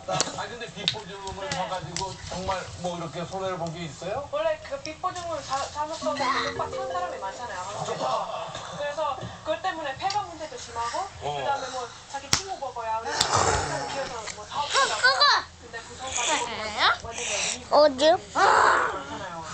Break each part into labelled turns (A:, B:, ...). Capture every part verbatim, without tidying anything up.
A: 아 근데 비포즈음을 봐가지고 정말 뭐 이렇게 손해를 본 게 있어요?
B: 원래 그 빗보증을 잘못 써서 쪽박 찬 사람이 많잖아요. 한국에서. 그래서 그것 때문에 폐가 문제도 심하고
A: 어.
B: 그다음에 뭐 자기 친구 먹어야 우리 친구 기어서 뭐 사업 한다고. 근데 부정까지 완전히
C: 어디?
B: 그렇잖아요.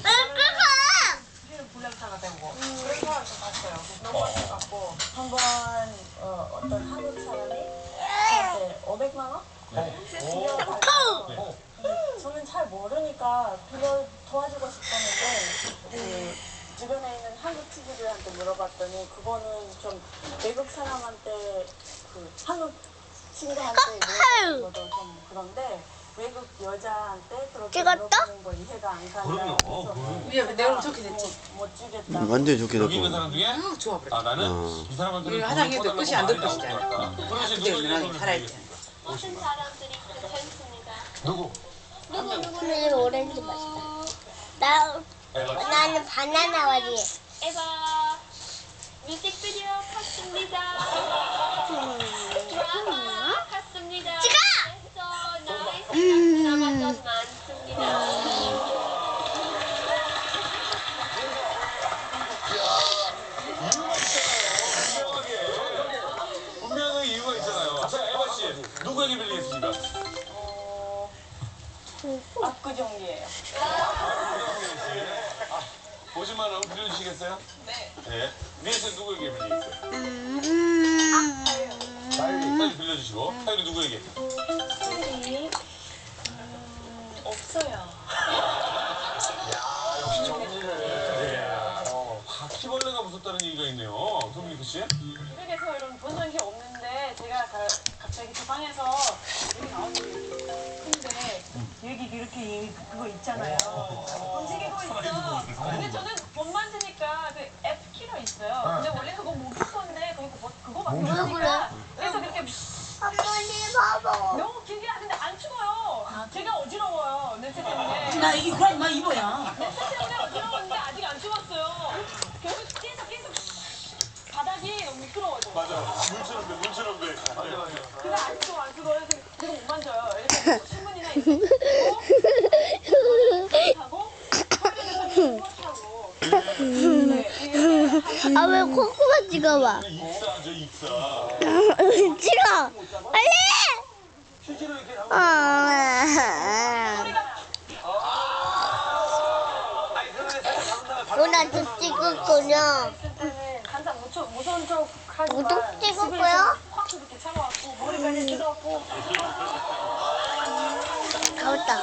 B: 그래서 불량차가 되고 그래서 저 봤어요. 너무 안타깝고
D: 한번 어, 어떤 한국 사람이 저한테 오백만 원? 빌려달라고. 저는 잘 모르니까 빌려 도와주고 싶었는데 그 주변에 있는 한국 친구들한테 물어봤더니 그거는 좀 외국 사람한테 그 한국 친구한테 물어보는 것도 좀 그런데 외국 여자한테 그렇게
C: 찍었다?
D: 물어보는 거 이해가 안 간다.
A: 그럼요.
D: 그래서
E: 야, 내 얼굴 좋게 됐지?
D: 못, 못 주겠다.
F: 완전히 좋게
A: 여기 있는
F: 됐고.
A: 사람 중에
E: 아, 좋아 그래.
A: 아 나는
F: 어.
A: 이 사람한테는
E: 우리 화장실도 끝이 안 될 것이잖아.
A: 그러시
E: 근데
A: 누구
E: 누나는
A: 손을
E: 살아있지.
A: 드리겠습니까?
G: 모든 사람들이 괜찮습니다.
A: 누구?
C: 근데 이거 오렌지 맛이다. 나, 나는 바나나 맛이.
G: 에바 뮤직비디오 켰습니다. 드라마 켰습니다.
C: 찍어!
G: 그래서 나의 드라마 좀 많습니다.
A: 분명히 이유가 있잖아요. 자 에바 씨 누구에게 빌리겠습니까?
D: 어, 압구정이에요.
A: 오십만 원 빌려주시겠어요?
B: 네.
A: 네. 미애 씨 누구에게 빌리겠어요?
D: 아,
A: 빨리 빌려주시고 타율이 누구에게?
D: 음, 없어요.
A: 역시 정리를. 어, 바퀴벌레가 무섭다는 얘기가 있네요. 도미니크 씨?
B: 미국에서 이런 본 적이 없는데 제가 가, 갑자기 제 방에서 여기 나왔는데 근데 여기 이렇게 이- 그거 있잖아요. 움직이고 있어. 근데 저는 못 만지니까 그 F 키가 있어요. 근데 원래 그거 모기 건데 그거 뭐- 그거밖에 모르니까 그래서 그렇게
C: 빨리 봐봐.
B: 너무 길게 하는데 안 죽어요. 제가 어지러워요. 냄새 때문에.
E: 나 이게 그런 막 입어야.
B: 냄새 때문에 어지러웠는데 아직 안 죽었어요. 계속 계속 계속 바닥이 너무 미끄러워져.
A: 맞아. 물처럼 돼, 물처럼 돼. 맞아, 맞아.
B: 근데 안 죽어 안 죽어. 그래서 그거 못 만져요. 이렇게 신문이나 이렇게 하고 화면에서 타고. 네, 이게
C: 아, 왜 콧구멍 찍어봐.
A: 익사죠, 익사.
C: 찍어. 빨리!
A: 휴지로 이렇게 하고.
C: 아, 누나도 찍었군요.
B: 있을 때는 항상 무척 무서운 척 하지만
C: 무도 찍었고요.
B: 확 이렇게 차가웠고 머리가 이렇게 뜨겁고
C: 가봤다.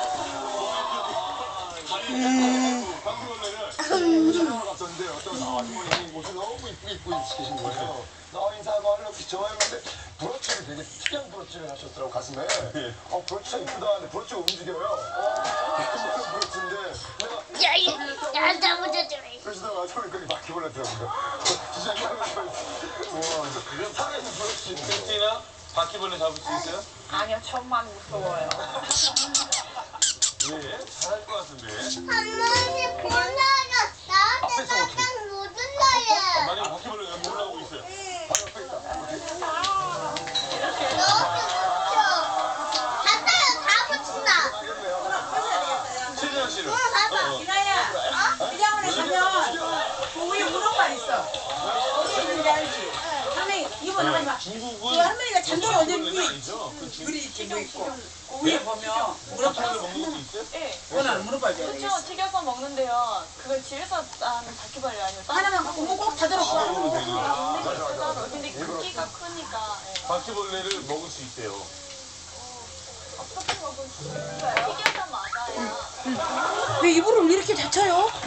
H: 촬영을 갔었는데 어떤 아주머님이 옷을 너무 이쁘게 입고 계신 거예요. 나 인사하고 하려고 좋아했는데 브로치를 되게 특이한 브로치를 하셨더라고 가슴에. 어 브로치가 이쁘다 하는데 브로치가 움직여요. 어, 브로치인데 내가
C: 야, 이, 야, 잡아줘.
H: 그러시다가 아주머니 거기 바퀴벌레더라고요. 진짜 와, 살아있는 브로치.
A: 크리스티나 바퀴벌레 잡을 수 있어요?
B: 아니요 천만 무서워요.
A: 네, 잘할 것 같은데.
C: 할머니 불나졌어.
A: 앞에서 어떻게?
C: 내가 못
A: 아,
C: 눌러요.
A: 만약에 바퀴벌레가 여기 올라오고 있어요.
H: 바로 앞에 있다.
C: 너무 좋죠. 갔어요. 다 붙인다.
A: 최재현 씨는?
E: 봐봐,
A: 어, 어.
E: 이나야. 미장원에 가면 그 위에 문어가 있어. 어디 있는지 알지? 할머니 이거 나가지 마. 그
A: 중국은
E: 할머니가 잔돈이 언제
A: 바퀴벌레는
E: 위에
A: 아니죠? 그 중-
E: 물이 지금 있고 그 위에 보면
A: 바퀴벌레
E: 물어봐.
A: 먹는 것도 있어요?
B: 예.
E: 그거는 물어봐야 돼.
B: 그렇죠. 튀겨서 먹는데요. 그걸 집에서 하는 바퀴벌레 아니에요.
E: 하나만 갖고 꼭
A: 먹으면
E: 닫아놓고.
A: 되는.
B: 근데 크기가 크니까 예.
A: 바퀴벌레를 먹을 수 있대요.
B: 어떻게 먹을 수 있어요? 튀겨서 맞아요.
E: 왜 이불을 왜 이렇게 닫혀요?